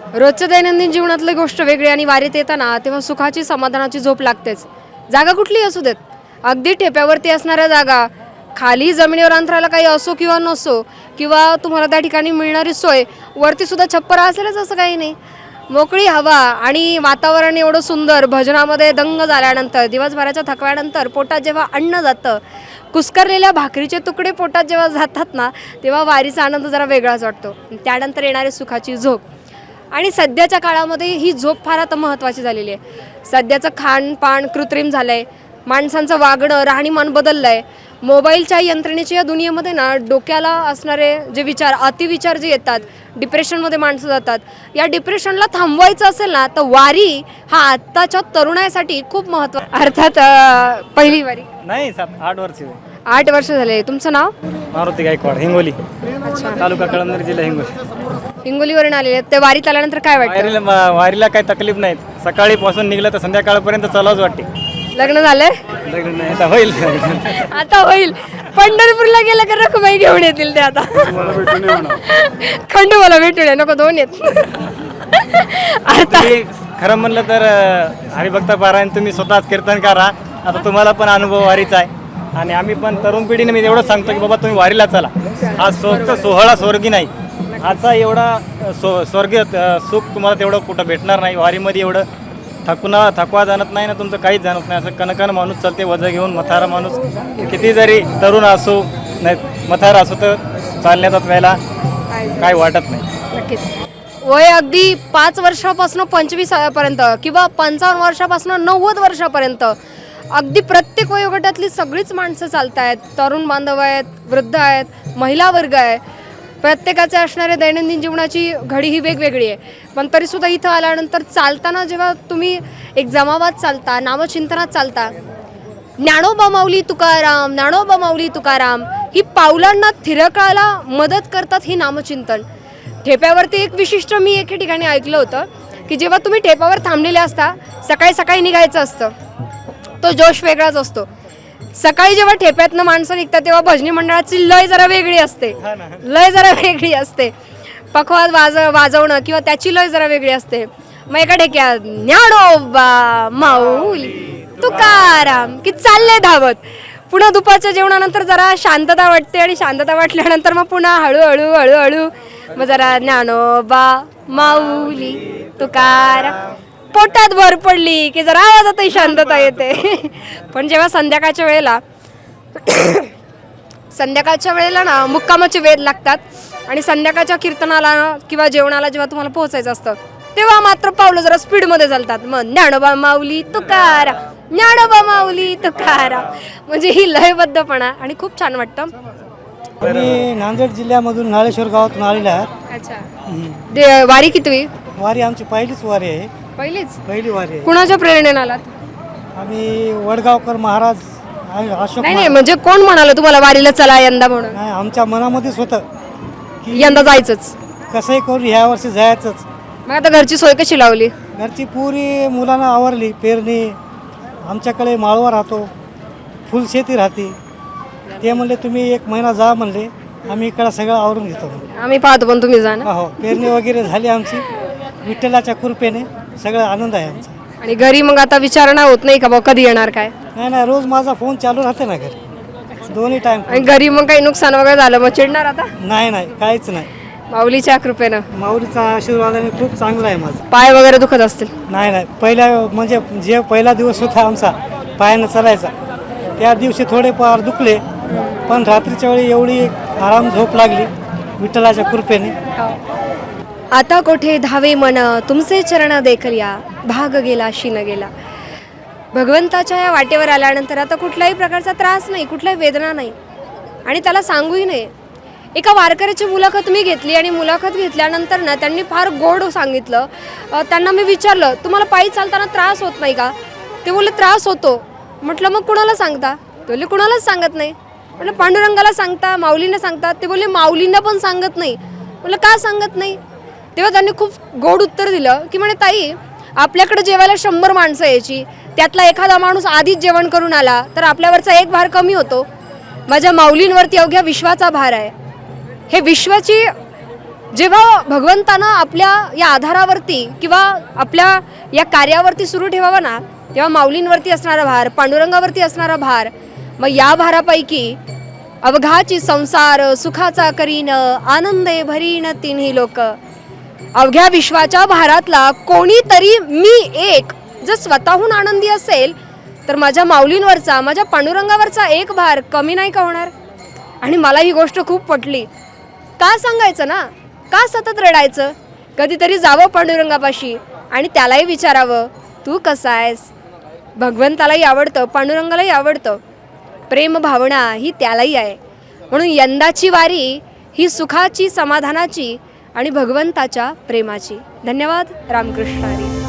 रोजच्या दैनंदिन जीवनातली गोष्ट वेगळी आणि वारीत येताना तेव्हा सुखाची समाधानाची झोप लागतेच. जागा कुठलीही असू देत, अगदी ठेप्यावरती असणाऱ्या जागा, खाली जमिनीवर अंतराला काही असो किंवा नसो, किंवा तुम्हाला त्या ठिकाणी मिळणारी सोय, वरती सुद्धा छप्पर असेलच असं काही नाही. मोकळी हवा आणि वातावरण एवढं सुंदर, भजनामध्ये दंग झाल्यानंतर, दिवसभराच्या थकव्यानंतर पोटात जेव्हा अन्न जातं, कुस्करलेल्या भाकरीचे तुकडे पोटात जेव्हा जातात ना, तेव्हा वारीचा आनंद जरा वेगळाच वाटतो. त्यानंतर येणारी सुखाची झोप. आणि सध्याच्या काळामध्ये ही झोप फार आता महत्त्वाची झालेली आहे. सध्याचं खानपान कृत्रिम झालं आहे, माणसांचं वागणं राहणीमान बदललं आहे. मोबाईलच्या यंत्रणेच्या या दुनियेमध्ये ना, डोक्याला असणारे जे विचार, अतिविचार जे येतात, डिप्रेशनमध्ये माणसं जातात. या डिप्रेशनला थांबवायचं असेल ना, तर वारी हा आत्ताच्या तरुणाईसाठी खूप अर्थात पहिली वारी नाही 8 वर्ष 8 वर्ष झाले. तुमचं नाव? मारुती गायकवाड, हिंगोली. अच्छा, तालुका कळमनुरी, जिल्हा हिंगोली. हिंगोलीवरून आलेले आहेत. ते वारीत आल्यानंतर काय वाटतं? वारीला काही तकलीफ नाहीत. सकाळीपासून निघलं तर संध्याकाळपर्यंत चालूच वाटते. लग्न झालंय? लग्न नाही आता होईल. आता होईल. पंढरपूरला गेलं का रखुबाई घेऊन येतील ते आता. खंडोबाला भेटून ये, नको 2 येत. आता खरं म्हणलं तर हरिभक्त पारायण तुम्ही स्वतःच कीर्तन करा. आता तुम्हाला पण अनुभव वारीचा आहे आणि आम्ही पण तरुण पिढीने मी एवढं सांगतो की बाबा तुम्ही वारीला चला. हा सोहळा स्वर्गी नाही. आजचा एवढा स्वर्गीय सुख तुम्हाला तेवढं कुठं भेटणार नाही. वारीमध्ये एवढं थकवा जाणत नाही ना, तुमचं काहीच जाणत नाही. असं कणकण माणूस चालते वजं घेऊन. म्हातारा माणूस किती जरी तरुण असो नाही म्हातारा असो तर चालण्याचा वेळेला काय वाटत नाही. नक्कीच. वय अगदी 5 वर्षापासून 25 पर्यंत किंवा 55 वर्षापासून 90 वर्षापर्यंत अगदी प्रत्येक वयोगटातली सगळीच माणसं चालत आहेत. तरुण बांधव आहेत, वृद्ध आहेत, महिला वर्ग आहे. प्रत्येकाचे असणारे दैनंदिन जीवनाची घडी ही वेगवेगळी आहे. पण तरीसुद्धा इथं आल्यानंतर चालताना जेव्हा तुम्ही एक जमावात चालता, नामचिंतनात चालता, ज्ञानोबा माऊली तुकाराम, ज्ञानोबा माऊली तुकाराम, ही पावलांना थिरकायला मदत करतात ही नामचिंतन. ठेप्यावरती एक विशिष्ट मी एके ठिकाणी ऐकलं होतं की जेव्हा तुम्ही ठेप्यावर थांबलेले असता, सकाळी सकाळी निघायचं असतं, तो जोश वेगळाच असतो. सकाळी जेव्हा ठेप्यातनं माणसं निघतात तेव्हा भजनी मंडळाची लय जरा वेगळी असते. पखवाज वाजवणं किंवा त्याची लय जरा वेगळी असते. मग एका ठेक्यात ज्ञानोबा माऊली तुकाराम की चालले धावत. पुन्हा दुपारच्या जेवणानंतर जरा शांतता वाटते आणि शांतता वाटल्यानंतर मग पुन्हा हळूहळू हळूहळू मग जरा ज्ञानोबा माऊली तुकाराम. पोटात भर पडली की जरा आवाजातही शांतता येते. पण जेव्हा संध्याकाळच्या वेळेला ना मुक्कामाचे वेध लागतात आणि संध्याकाळच्या कीर्तनाला किंवा जेवणाला जेव्हा तुम्हाला पोहोचायचं असतं तेव्हा मात्र पावलं जरा स्पीडमध्ये चालतात. मग ज्ञानोबा माऊली तुकाराम, ज्ञानोबा माऊली तुकाराम, म्हणजे ही लयबद्धपणा आणि खूप छान वाटतं. मी नांदेड जिल्ह्यामधून नाळेश्वर गावातून आलेले आहात. अच्छा, वारी कितवी? वारी आमची पहिलीच वारी आहे. पहिली वारी आहे. कुणाच्या प्रेरणेने आलात? आम्ही वडगावकर महाराज अशोक नाही म्हणजे कोण म्हणालं तुम्हाला वारीला चला यंदा म्हणून? नाही, आमच्या मनामध्येच होतं की यंदा जायचंच, कसंही करून ह्या वर्षी जायचंच. मग आता घरची सोय कशी लावली? घरची पुरी मुलांना आवरली. पेरणी, आमच्याकडे माळवा राहतो, फुलशेती राहते. ते म्हणले तुम्ही 1 महिना जा म्हणले, आम्ही इकडं सगळं आवरून घेतो. आम्ही पाहतो पण तुम्ही जा ना. हो, पेरणी वगैरे झाली आमची. विठ्ठलाच्या कृपेने सगळं आनंद आहे आमचा. आणि घरी मग आता विचारणा होत नाही का बा कधी येणार काय? नाही, रोज माझा फोन चालू राहते ना घरी, दोन्ही टाइम. आणि घरी मग काही नुकसान वगैरे झालं मग चिडणार आता? नाही, काहीच नाही. माऊलीच्या कृपेनं, माऊलीचा आशीर्वादाने खूप चांगला आहे माझा. पाय वगैरे दुखत असतील? नाही, पहिल्या म्हणजे जे पहिला दिवस होता आमचा पायानं चालायचा, त्या दिवशी थोडेफार दुखले, पण रात्रीच्या वेळी एवढी आराम झोप लागली विठ्ठलाच्या कृपेने. आता कोठे धावे मन तुमचे चरण देखल्या, भाग गेला शीन गेला. भगवंताच्या या वाटेवर आल्यानंतर आता कुठल्याही प्रकारचा त्रास नाही, कुठल्याही वेदना नाही आणि त्याला सांगूही नाही. एका वारकऱ्याची मुलाखत मी घेतली आणि मुलाखत घेतल्यानंतर ना त्यांनी फार गोड सांगितलं. त्यांना मी विचारलं तुम्हाला पायी चालताना त्रास होत नाही का? ते बोलले त्रास होतो. म्हटलं मग कुणाला सांगता? ते बोलले कुणालाच सांगत नाही. म्हटलं पांडुरंगाला सांगता, माऊलींना सांगता? ते बोलले माऊलींना पण सांगत नाही. म्हटलं का सांगत नाही? तेव्हा त्यांनी खूप गोड उत्तर दिलं की म्हणे ताई, आपल्याकडे जेवायला 100 माणसं यायची, त्यातला एखादा माणूस आधीच जेवण करून आला तर आपल्यावरचा एक भार कमी होतो. माझ्या माऊलींवरती अवघ्या विश्वाचा भार आहे. हे विश्वाची जेव्हा भगवंतानं आपल्या या आधारावरती किंवा आपल्या या कार्यावरती सुरू ठेवावं ना, तेव्हा माऊलींवरती असणारा भार, पांडुरंगावरती असणारा भार, मग या भारापैकी अवघाची संसार सुखाचा करीन, आनंदे भरीन तिन्ही लोक. अवघ्या विश्वाच्या भारातला कोणीतरी मी एक जर स्वतःहून आनंदी असेल तर माझ्या माऊलींवरचा, माझ्या पांडुरंगावरचा एक भार कमी नाही का होणार. आणि मला ही गोष्ट खूप पटली. का सांगायचं ना, का सतत रडायचं? कधीतरी जावं पांडुरंगापाशी आणि त्यालाही विचारावं, तू कसा आहेस? भगवंतालाही आवडतं, पांडुरंगालाही आवडतं. प्रेम भावना ही त्यालाही आहे. म्हणून यंदाची वारी ही सुखाची, समाधानाची आणि भगवंताच्या प्रेमाची. धन्यवाद. रामकृष्ण हरी.